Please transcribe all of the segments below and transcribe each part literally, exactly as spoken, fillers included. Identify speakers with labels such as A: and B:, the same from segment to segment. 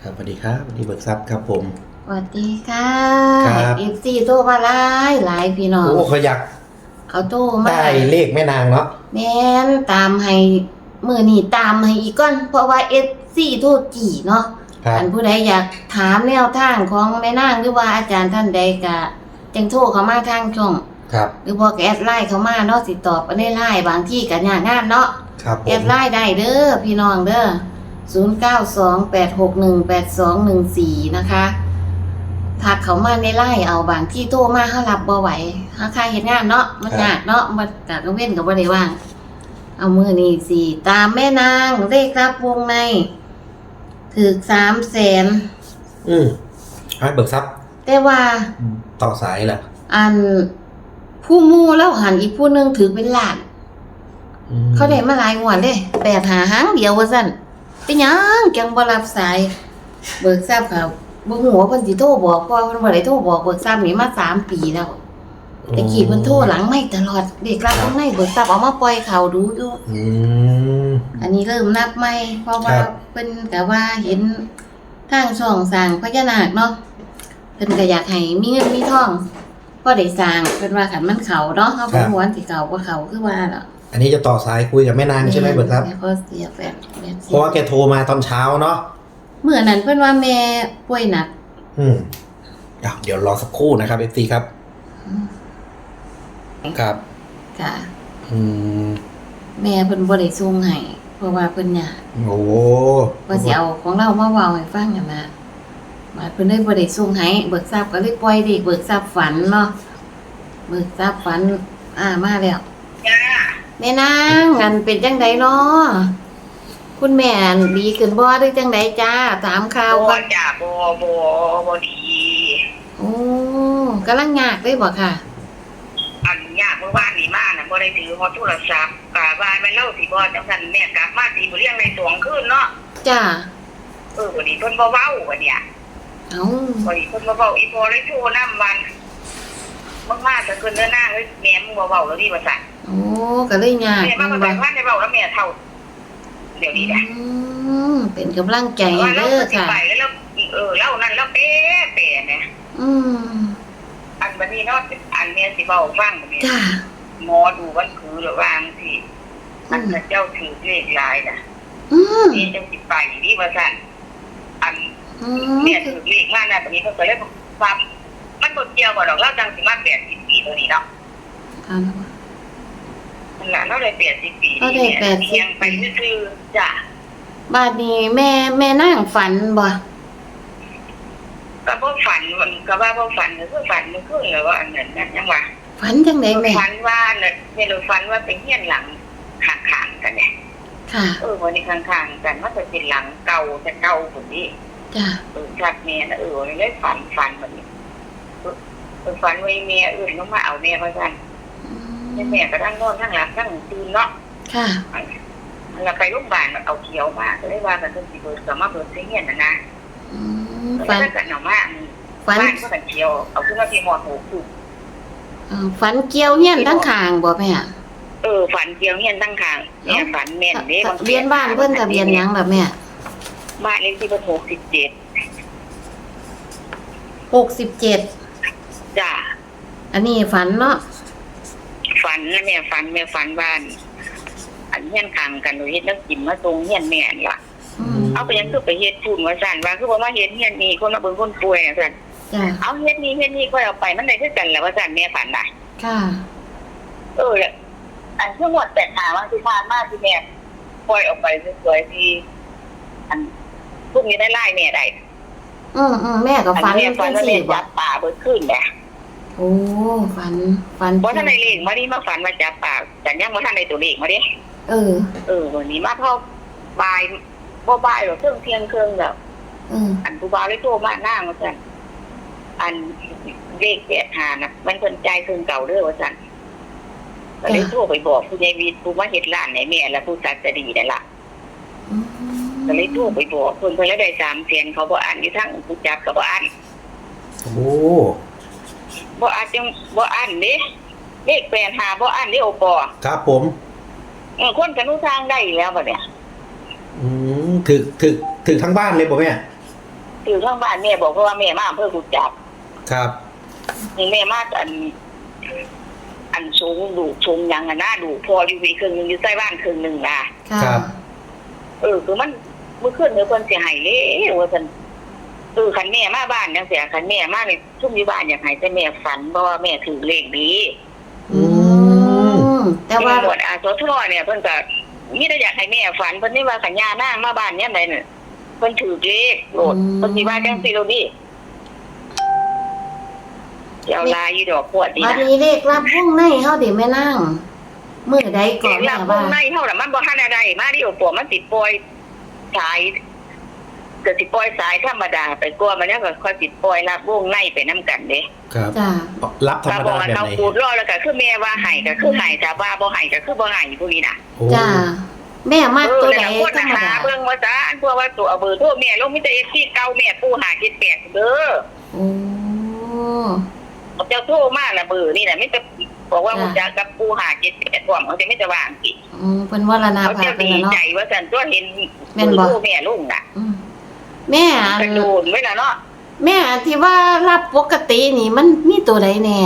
A: ครับสวัสดีครับวันนี้เบิกทรัพย์ครับผม
B: สวัสดีค่ะ
A: ครับ
B: เอฟซีโทรมาหลายหลายพี่น้อง
A: โอ้เขาอยาก
B: เขาโทรมา
A: ได้เลขแม่นางเนาะ
B: แม่นตามให้มื้อนี้ตามให้อีกก่อนเพราะว่า เอฟ ซี โทรจี้เนาะอันผู้ใดอยากถามแนวทางของแม่นางหรือว่าอาจารย์ท่านใดก็จังโทรเข้ามาทางช่อง
A: ครับ
B: หรือบ่ก็แอดไลน์เข้ามาเนาะสิตอบในไลน์บางที่ก็ยากงานเนาะ
A: ครับผม
B: แอดไลน์ได้เด้อพี่น้องเด้อศูนย์ เก้า สอง แปด หก หนึ่ง แปด สอง หนึ่ง สี่นะคะทักเขามาในไลน์เอาบางที่โทรมาเฮารับบ่ไหวเฮาค่าเฮ็ดงานเนาะมันยากเนาะมันกะกังเว้นก็บ่ได้ว่างเอามื้อนี้สิตามแม่นางเลขรับวงในถูก สามแสน
A: อืมให้เบิกทรัพย์
B: แต่ว่า
A: ต่อสายแหละ
B: อันผู้หมู่แล้วหันอีกผู้นึงถือเป็นล้านเขาได้มาหลายงวดเด้แปดหาหางเดียวว่าซั่นเป็นหยังจังบ่รับสายเบิกทรัพย์ค่ะบ่ฮู้ว่าเพิ่นสิโทรบอกเพราะเพิ่นบ่ได้โทรบอกเบิกทรัพย์นี่มาสามปีแล้วแต่กี้เพิ่นโทรหลังไม่ตลอดเด็กรับข้างในเบิกทรัพย์เอามาปล่อยข่าวดูอยู่
A: อืม
B: อันนี้เริ่มนับใหม่เพราะว่าเพิ่นก็ว่าเห็นทางช่องสร้างพญานาคเนาะเพิ่นก็อยากให้มีเงินมีทองพอได้สร้างเพิ่นว่าคันมันเข้าเนาะเฮาบ่ฮู้ว่าสิเข้าบ่เข้าคือว่าล่ะ
A: อันนี้จะต่อสายคุยกับแม่นางใช่ไหมเบิกทรัพย์
B: เพราะเสียแฟน
A: เพราะว่าแกโทรมาตอนเช้าเนาะ
B: เมื่อนั้นเพิ่นว่าแม่ป่วยหนัก
A: อืมเดี๋ยวรอสักครู่นะครับ เอฟ ซี ครับครับ
B: ค่ะ
A: อืม
B: แม่เพิ่นบ่ได้ส่งให้เพราะว่าเพิ่นยาก
A: โอ้
B: ว่าสิเอาของเรามาเว้าให้ฟังกันนะมาเพิ่นเลยบ่ได้ส่งให้เบิกทรัพย์ก็เลยปล่อยเด็กเบิกทรัพย์ฝันเนาะเบิกทรัพย์ฝันอ่ามาแล้วจ้าแม่นางอันเป็นจังไดเนาะคุณแม่ดีขึ้นบ่หรือจังไดจ้าถามข่าว
C: บ่จ้าบ่บ่บ่ดี
B: โอ้กำลังยากเลยบ่ค่ะ
C: อันยากเมื่อวานนี้มาน่ะบ่ได้ถือฮอดโทรศัพท์กะว่าแม่เล่าสิบ่จังซั่นแม่กลับมาสิบ่เลี้ยงในสองคืนเนาะ
B: จ้า
C: เออวันนี้เพิ่นบ่เว้าบัดเนี่ย
B: เอ้า
C: วันนี้เพิ่นบ่เว้าอีพอเลยโทรนำวันมากๆจะเกินเนื้อหน้าเฮ้ยแม่มึงบ่เว้าแล้วดิว่าซั่น
B: โอ้ก็เลยยาก
C: แม่มาบ่ได้ว่าได้เว้าแล้วแม่เฒ่าเดี๋ยวนี้นะ
B: อืมเป็นกำลังใจเด้อค่ะ
C: แล้วเออเล่านั่นแล้วเป๊ะเป๊ะนะ
B: อืม
C: อันบัดนี้เนาะอันเนี้ยสิเว้าฟังบัดนี้
B: จ้า
C: หมอดูวันคือหรือวางสิอันเจ้าถือเลขลายน่ะ
B: อืม
C: นี่จังสิไปนี่ว่าซั่นอันเนี่ยถือเลขมาน่ะบัดนี้เพิ่นก็เลยความมันบ่เกี่ยวบ่ดอกเราจังสิมาแปดสิบปีตัวนี้เนาะ
B: อ่า
C: มันน่ะเราได้แปดสิบปี
B: ก็ได้แปดสิบ
C: ไปซื่อๆจ้ะ
B: บาดนี้แม่แม่นั่งฝันบ่
C: ก็บ่ฝันมันก็ว่าบ่ฝันก็คือฝันมันคือว่าอันนั้นนั่นยังว่า
B: ฝันจังได๋แม่
C: ฝันว่าน่ะแม่รู้ฝันว่าเป็นเฮียนหลังข้างๆกันเนี่ย
B: ค่ะ
C: เออวันนี้ข้างๆกันมันจะเป็นหลังเก่าแต่เก่าพุ่นนี่
B: จ้ะ
C: เออชัดแม่น่ะเออเลยฝันฝันแบบนี้เออฝันว่าแม่อื่นลงมาเอาแม่ว่าซั่นแม่ก็ทั้งนอนทั้งหลับทั้งตื่นเนาะ
B: ค่ะ
C: แล้วไปโรงพยาบาลเอาเขียวมาก็เลยว่ากันเพิ่นสิเบิดก็มาเบิดเฮียนน่ะนะ
B: อืมฝัน
C: กันเอามาฝันก็กันเขียวเอาขึ้นมาที่หอดหูคือ
B: ฝันเกี่ยวเฮียนทั้งข้างบ่แม่
C: เออฝันเกี่ยวเฮียนทั้งข้างแม่ฝันแม่นเด้
B: ทะเบียนบ้านเพิ่นทะเบียนหยังล่ะแม่
C: บ้านเลขที่เพิ่นหกสิบเจ็ด
B: หกสิบเจ็ด
C: จ้ะ
B: อันนี้ฝันเนาะ
C: ฝันนะแม่ฝันแม่ฝันบ้านอันเฮียนข้างกันโดยเฮ็ดแล้วกินมาตรงเฮียนแม่นล่ะเอาไปยังคือไปเฮ็ดพูนว่าซั่นว่าคือบ่มาเฮ็ดเฮียนนี่คนมาเบิ่งคนป่วยน่ะซั่น
B: จ้ะ
C: เอาเฮ็ดนี่เฮ็ดนี่ค่อยเอาไปมันได้คือกันแหละว่าซั่นแม่ฝันน่ะ
B: ค่ะ
C: เอออันที่หมดแต่หาว่าสิผ่านมาที่แม่ปล่อยออกไปสวยๆที่อันพวกนี้ได้ไล่แม่ได้
B: อือๆแม่ก็ฝันจังซี่
C: บ่จับป่าเบิดขึ้นแหละ
B: โอ้ฝันฝัน
C: บ่ทันได้เลขมานี่มาฝันว่าจับป่าแต่ยังบ่ทันได้ตัวเลขมาดิ
B: เออ
C: เออวันนี้มาเท่าบ่ายบ่บ่ายหรอกเที่ยงเที่ยงครึ่งแล้ว
B: อือ
C: อันผู้บ่าวเลยโทรมานางว่าซั่นอันเลขแปดห้าน่ะมันเพิ่นจ่ายคืนเก่าเด้อว่าซั่นก็เลยโทรไปบอกผู้ใหญ่วิทย์ผู้มาเฮ็ดร้านให้แม่และผู้จัดจะดีนั่นล่ะก็เลยโทรไปบอกเพิ่นเพิ่นแล้วได้สามแสนเขาบ่อ่านอยู่ทั้งผู้จัดก็บ่อ่าน
A: โอ้
C: บ่อ่านจังบ่อ่านเด้เลขแปดห้าบ่อ่านเด้โอปอ
A: ครับผม
C: เออคนกันรู้ทางได้แล้วบัดเนี่ย
A: อืมถึกถึกถึกทั้งบ้านเลยบ่แม่
C: ถือข้างบ้านแม่บอกเพราะว่าแม่มาอำเภอกุจับ
A: ครับ
C: นี่แม่มาอัน อันสูงดูสูงยังอ่ะนะดูพออยู่วีครึ่งหนึงอยู่ใต้บ้านครึ่งหนึงล่ะ
B: ค่ะ
A: ครับ
C: เออคือมันเมื่อคืนเนื้อคนเสียหายเลยว่าฉันเออคันแม่มาบ้านยังเสียคันแม่มาในทุ่มอยู่บ้านอยากให้แต่แม่ฝันเพราะว่าแม่ถือเลขดี
B: อืมแต่ว่า
C: ตำรวจอาสทเนี่ยเพิ่นก็มีแต่อยากให้แม่ฝันเพิ่นนี่ว่าสัญญานั่งมาบ้านเนี่ยไหนเนี่ยเพิ่นถือเลขโหลดเพิ่นสิว่าจังซี่โลดดิเดี๋ยวลายอยู่ดอกขวดดี
B: บัด
C: นะ
B: นี้เลขรับวงในเฮาเดี๋ยวแม่นั่งมื้อใดก่
C: เด็
B: อน
C: กหลั
B: แม่
C: บว
B: ว่าง
C: ในเท่าน่ะมันบ่ทันอะไรมาดิโอปวมันติดปล่อยสายเกิดสิปล่อยสายธรรมดาไปกลัวมันแล้วก็ค่อยติดปล่อยรับวงในไปนํกันเด้
A: ครับ
B: จ้า
A: รับธรรม
C: บอ
A: ดาก
C: ว่า
A: แบบ
C: เขา
A: ไหน
C: พูดรอแล้วก็คือแม่ว่าให้ก็คือให้ถ้าว่าบ่ให้ก็คือบ่ให้พวกนี้น่ะ
A: โอ้
B: จ้าแม่มัก
C: เออ
B: ตัว
C: แล้
B: ใด
C: วคน
B: ธรรม
C: หา
B: ดา
C: เบิ่งว่าซะพวกว่าตัวเอาเบอร์โทรแม่ลงมีแต่ เอฟ ซี เก่าแม่ปู่หาเจ็ดแปดเด้อ
B: โอ้
C: เจ้าโทรมาละเบอร์นี่น่ะมีแต่บอกว่ารู้จักกับปู่หาเจ็ดแปดพร้อมเขาจะไม่จะว่างสิ
B: อืมเพิ่นวรณา
C: เขา
B: ภา
C: จะ
B: พเป็น
C: ดี
B: น่ะเนาะ
C: ใจว่าซั่นตัวเห็น
B: แม่นบ่
C: เบอร์โทรแม่ลงน่ะ
B: อืมแม่อั
C: กระ
B: น
C: โดดไว้ล่ะเนาะ
B: แม่อันที่ว่ารับปกตินี่มันมีตัวใดแน่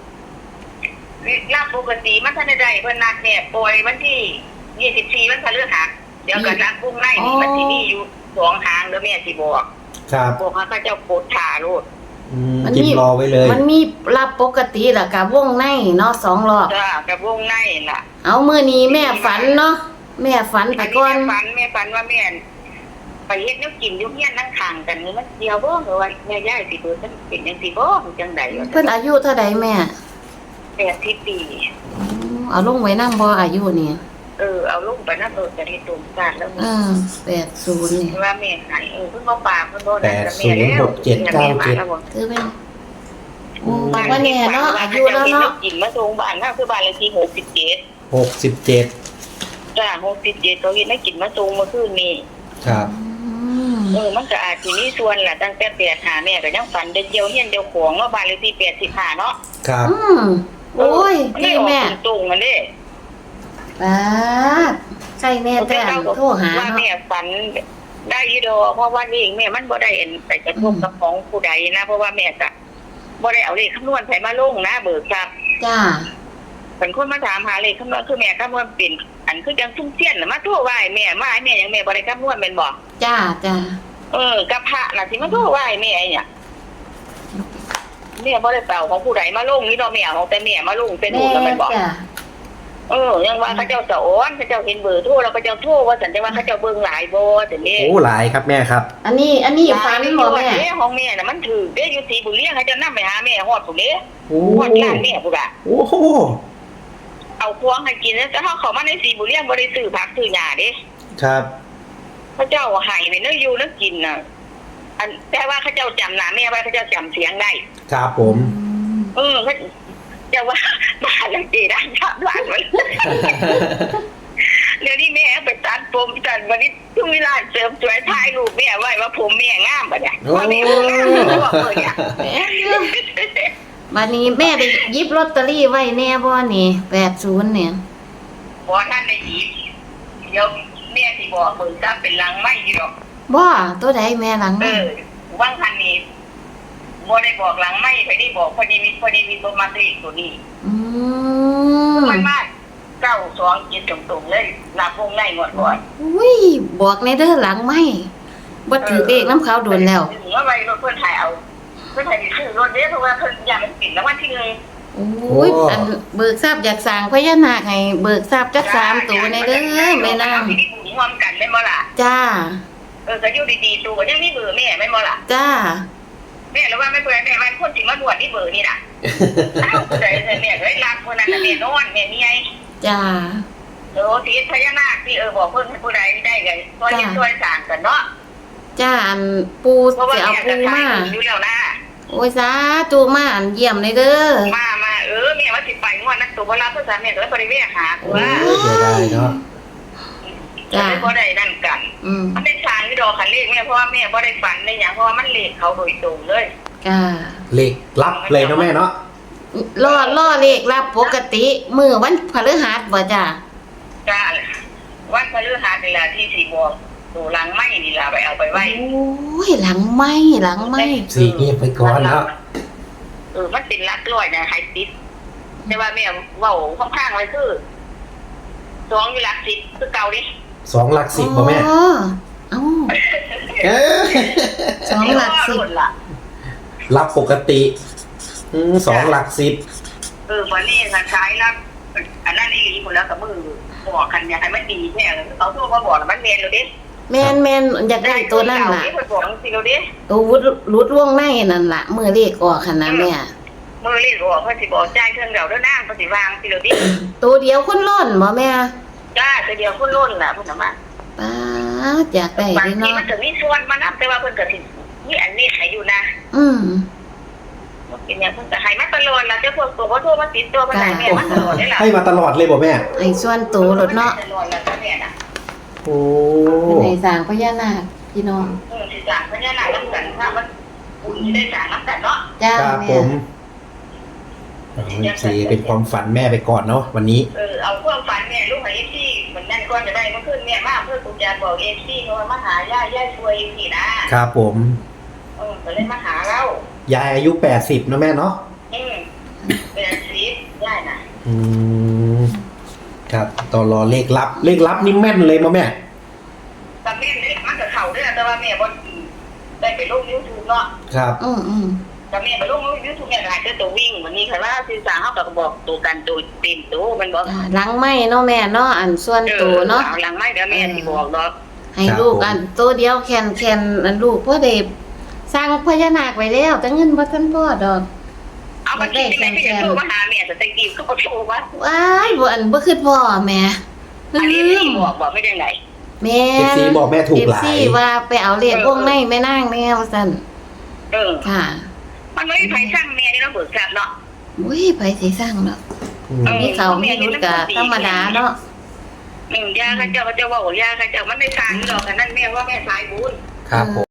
C: รับปกติมันทันได้เพิ่นนัดแม่ปล่อยวันที่ยี่สิบสี่วันพฤหัสเดี๋ยวก็รับวงในนี่มันสิมีอยู่สองหางเด้อแม่สิบอก
A: ครับ
C: บอกว่าเขาเจ้าโคตรถ่าโลด
A: อืมจิบรอไว้เลย
B: มันมีรับปกติแล้วกับวงในเนาะสองรอบ
C: จ้ากับวงในล่ะ
B: เอามื้อนี้แม่ฝันเนาะแม่ฝันไปก่อน
C: แม่ฝันแม่ฝันว่าแม่ไปเฮ็ดแนวกินอยู่เฮียนนั่งข้างกันนี่มันเดียวบ่หรือว่าแม่ย่ายสิเบิ่นเป็นจังซี่บ่จังได๋
B: เพิ่นอายุเท่าใดแม่
C: แปดสิบปี
B: อืมเอาลงไว้นำบ่อายุนี่
C: เออเอาลงไปนำโดดจะได้ตุ่มซาดแล้ว
B: เออแปดสิบนี่
C: ว่าแม่ให้เออเพิ่นบ่ปากเพิ่นบ่
A: แป
C: นั่น
A: ด
C: กับ
A: ศู
C: แม่
A: นย์
C: แล้ว
A: หกเจ็ดเก้าเจ็ด
B: คือเป็นโอ้บอกว่าแน่เนาะอายุแล้วเนาะ
C: กินมาส่งบ้านเฮาคือบ้านเลขที่หกสิบเจ็ด
A: หกสิบเจ็ด
C: จ้าหกสิบเจ็ดเขาเฮ็ดให้กินมาส่งเมื่อคืนนี้
A: ครับ
B: อืม
C: เออมันก็อาจสิมีส่วนล่ะตั้งแต่แปดหาแม่ก็ยังฝันได้เดียวเฮียนเดียวของเนาะบ้านเลขที่แปดสิบห้าเนาะ
A: ครับ
B: อืมโอ้ย
C: มัน
B: ดี
C: ได้ออก
B: แม่
C: ตรงๆกันเด้
B: ป้าดใช่แม่แต่อันโทรหา
C: ว่า
B: เนาะ
C: แม่ฝันได้อยีดอกเพราะว่านี่แม่มันบ่ได้เอ็นไปกระทบกับของผู้ใดนะเพราะว่าแม่ก็บ่ได้เอาเลขคำนวณใส่มาลงนะเบิกครับ
B: จ้า
C: เป็นคนมาถามหาเลขคำนวณคือแม่คำนวณเป็นอันคือจังซุ่มเสี้ยนน่ะมาโทรไหว้แม่มาให้แม่ยังแม่บ่ได้คำนวณแม่นบ่
B: จ้าจ้า
C: เออกับพระน่ะสิมาโทรไหว้แม่เนี่ยแม่บ่ได้เป่าของผู้ใดมาลงนี่เนาะแม่ของแต่แม่มาลงเป็น
B: แม่
C: หูแล้วแม่นบ่
B: จ้า
C: เออยังว่าเขาเจ้าสะอ้อนเขาเจ้าเห็นเบอร์โทรแล้วเขาเจ้าโทรว่าสันจะว่าเขาเจ้าเบิ่งหลายบ่แต่นี่
A: โอ้หลายครับแม่ครับ
B: อันนี้อันนี้ฝันบ่แม่
C: เด้ของแม่น่ะมันถือเด้อยู่สีบุรีเขาจะนำไปหาแม่ฮอดพุ่นเด้
A: โอ้
C: ฮอดร้านแม่พุ่นอ่ะ
A: โอ้โห
C: เอาควงให้กินแล้วแต่เฮาเข้ามาในสีบุรีบ่ได้ซื้อผักซื้อหญ้าเด้
A: ครับ
C: เขาเจ้าให้ไว้เนื้ออยู่เนื้อกินน่ะอันแต่ว่าเขาเจ้าจำหน้าแม่ไว้เขาเจ้าจำเสียงได้
A: ครับผม
C: เออเขาเจ้าว่าบ้านหลังจีด้านทับหลานไว้ เดี๋ยวนี้แม่ไปตัดผมตัดวันนี้ทุกเวลาเสริมสวยถ่ายรูปแม่ไว้ว่าผมแม่งามปะเนี่ย
A: โอ้
C: ว่าแม่บ่งามเลยว่าเออเนี่ย
B: แม่เด้อบัดนี้แม่ได้หยิบลอตเตอรี่ไว้แน่บ่นี่แปดสิบเนี่ย
C: บ่ท่านได้หยิบเดี๋ยวแม่สิบอกเบิ่งซับเป็นลังไม้อยู่ดอก
B: บ่ตัวใดแม่หลัง
C: เอ
B: แม่
C: อว่างคันนี้บ่ได้บอกหลังไม้ไปได้บอกพอดีมีพอดีมีตัวมาตีตัวนี้
B: อืม
C: มันมากเก้าสองเจ็ดตรงๆเลยนับวงในหมดก่อน
B: อุ้ยบอกในเด้อหลังไม่บ่ถือเลขน้ำเขาโดนแล้ว
C: ถึงว่าไปรถเพิ่นถ่ายเอาเพิ่นถ่ายซื้อรถเด้เพราะว่าเพิ่นอยากมันปิดแล้ววันที่หนึ่ง
B: โอ้ยอันเบิกทราบอยากสร้างพญานาคให้เบิกทราบจักสามตัวในเด้อแม่นาง
C: ที่บุญร่วมกันแม่นบ่ล่ะ
B: จ้า
C: เออก็อยู่ดีๆตัวก็ยังมีเบอร์แม่แม่นบ่ล่ะ
B: จ้า
C: แม่แล้วว่าแม่เพิ่นแม่ว่าคนสิมาบวชนี่เบอร์นี่น่ะอ้าวผู้ใดแม่ก็ได้รับคนนั้นน่ะแม่นอนแม่มีไง
B: จ้า
C: เออที่พญานาคที่เออบอกเพิ่นให้ผู้ใดได้ก็ช่วยเฮ็ดช่วยสร้างกันเนาะ
B: จ้าอันปู
C: เพราะว่า
B: สิเอา
C: แม่
B: ปู
C: ก็ทาย
B: มา
C: อยู่แล้วนะ
B: โอ้ยสาธุมาอันเยี่ยมเลยเด้อ
C: มามาเออแม่ว่าสิไปงวดนั้นตัวบ่รับภาษาแม่ก็เลยบ่ได้แวะหา
A: โอ้
C: ว่า
A: เสียดายเนาะ
C: จะบ่ได้นั่นกัน
B: อืม
C: มันเป็นทางที่ดอกคันเลขแม่เพราะว่าแม่บ่ได้ฝันได้หยังเพราะว่ามันเลขเขาโดยตรงเลย
B: จ้า
A: เลขรับเลยเนาะแม่เนาะ
B: ล่อล่อเลขรับปกติมื้อวันพฤหัสบ่จ้า
C: จ้าวันพฤหัสนี่ล่ะที่สิบอกตัวหลังไม้นี่ล่ะไปเอาไปไว้
B: โอ้ยหลังไหม้หลังไหม้
A: สี่เงียบไปก่อนแล้ว
C: เออมันเป็นลักร้อยนะไฮติดแต่ว่าแม่เว้าค่อนข้างไว้คือสองอยู่หลักสิบคือเก่าดิ
A: สองหลักสิบบ่แม่
B: อ๋อเอ้า
A: เอ้ย
B: สองหลักสิบ
C: ล่ะ
A: รับปกติอืมสองหลักสิบ
C: เออวันนี้ทางซ้ายรับอันนั้นนี่หลีหมดแล้วกับมือบอกกันอยากให้มันดีแท้เขาโทรมาบอกแล้วมันเมียนเราดิ
B: แมนแมนอยากได้ตัวนั่นล่ะ
C: ไปบอกสิเราดิ
B: ตัววุดรุดล่วงในนั่นล่ะมือเลขออกขนาดแม่
C: มือรีดบอกเพื่อสิบอกใจเครื่องเดาด้วยน้ำเพื่อสิวางสิเราดิ
B: ตัวเดียวคนล้นบ่แม่
C: จ้าแต่เดียวคุณล้นล่ะพุ่นมา
B: ป้าดอยากได้
C: บาง
B: เด้
C: ที
B: เนาะ
C: มันถึงนี่ชวนมานับแต่ว่าเพิ่นก็สินี่อันนี้ให้อยู่นะ
B: อืม
C: กินเนี่ยเพิ่นก็ให้มาตลอดแล้วเจ้าพวกตัวบ่โทรมาติดตัวมาไหนแม่มาตลอดได้ล่ะ
A: ให้มาตลอดเลยบ่แม่
B: ให้ส่วนตัวรถเนาะ
C: ตลอดแล้วจ้ะแม่น่ะ
A: โอ้
B: ในสร้างพญานาคพี่น้อง
C: เออสิจ้างพญานาคนํกันถ้ามันบุญสิได้จ้างนํกันเนาะ
B: จ้า
A: ครับ
B: แม่
A: ผมสี่เป็นความฝันแม่ไปก่อนเนาะวันนี้
C: เออเอาความฝันแม่ลูกให้เอฟซีเหมือนนั่นก่อนจะได้เมื่อคืนแม่มาเพื่อกูจะบอกเอฟซีเขาว่ามาหาย่าย่าช่วยสินะครับ
A: ผม
C: เออก็เลยมาหาเรา
A: ยายอายุแปดสิบนะแม่เนาะ
C: อืมเป็นสีย่าน่ะ
A: อืมครับต่อรอเลขลับ เลขลับนี่แม่นเลยมั้ยแม่
C: แต่แม่เนี่ยมันก็เข้าด้วยแต่ว่าแม่บ่ได้ไปลง YouTube เนาะ
A: ครับ
B: อืมอืม
C: แต่แม่ไปลง YouTube เนี่ยหลายตัววิ่งวันนี้ค่ะว่าสื่อสารเฮาก็บอกตัวกันตัวเต็มตัวมันบอก
B: จ้าหลังไหม้เนาะแม่เนาะอันส่วนตัวเนาะ
C: ออหลังไม่เดี๋ยวแม่สิบอกดอก
B: ให้ลูกอันตัวเดียวแคนแคนอันลูกพ่อเด็บสร้างพญานาคไว้แล้วแต่เงินบ่ทันพอดอก
C: เอาไปกินได้แม่ก็จะโทรมาหาแม่แต่ตะกี้ก็บ่โทรว่า
B: ว้ายบ่อันบ่คือพ่อแม่ลื
C: อันนี้ไม่
B: ม
C: บอกบอกไม่ได้ไหน
B: แม่
A: เอฟซีบอกแม่ถูกหลาย
B: เอฟซีว่าไปเอาเลขวงในแม่นางแม่ว่าซั่น
C: เออ
B: ค่ะ
C: มันไม่ได้ไผสร้างแม่นี่เราเบิกทรัพย์เนาะ
B: อุ้ยไผสิสร้างเนาะ
A: อืม
B: มีเขามีรุดก็ธรรมดาเนาะ
C: อืมยาเขาเจ้าเขาเจ้าว่าโอ้ยาเขาเจ้ามันได้สร้างนี่หรอกอันนั้นแม่ว่าแม่สายบุญ
A: ครับผม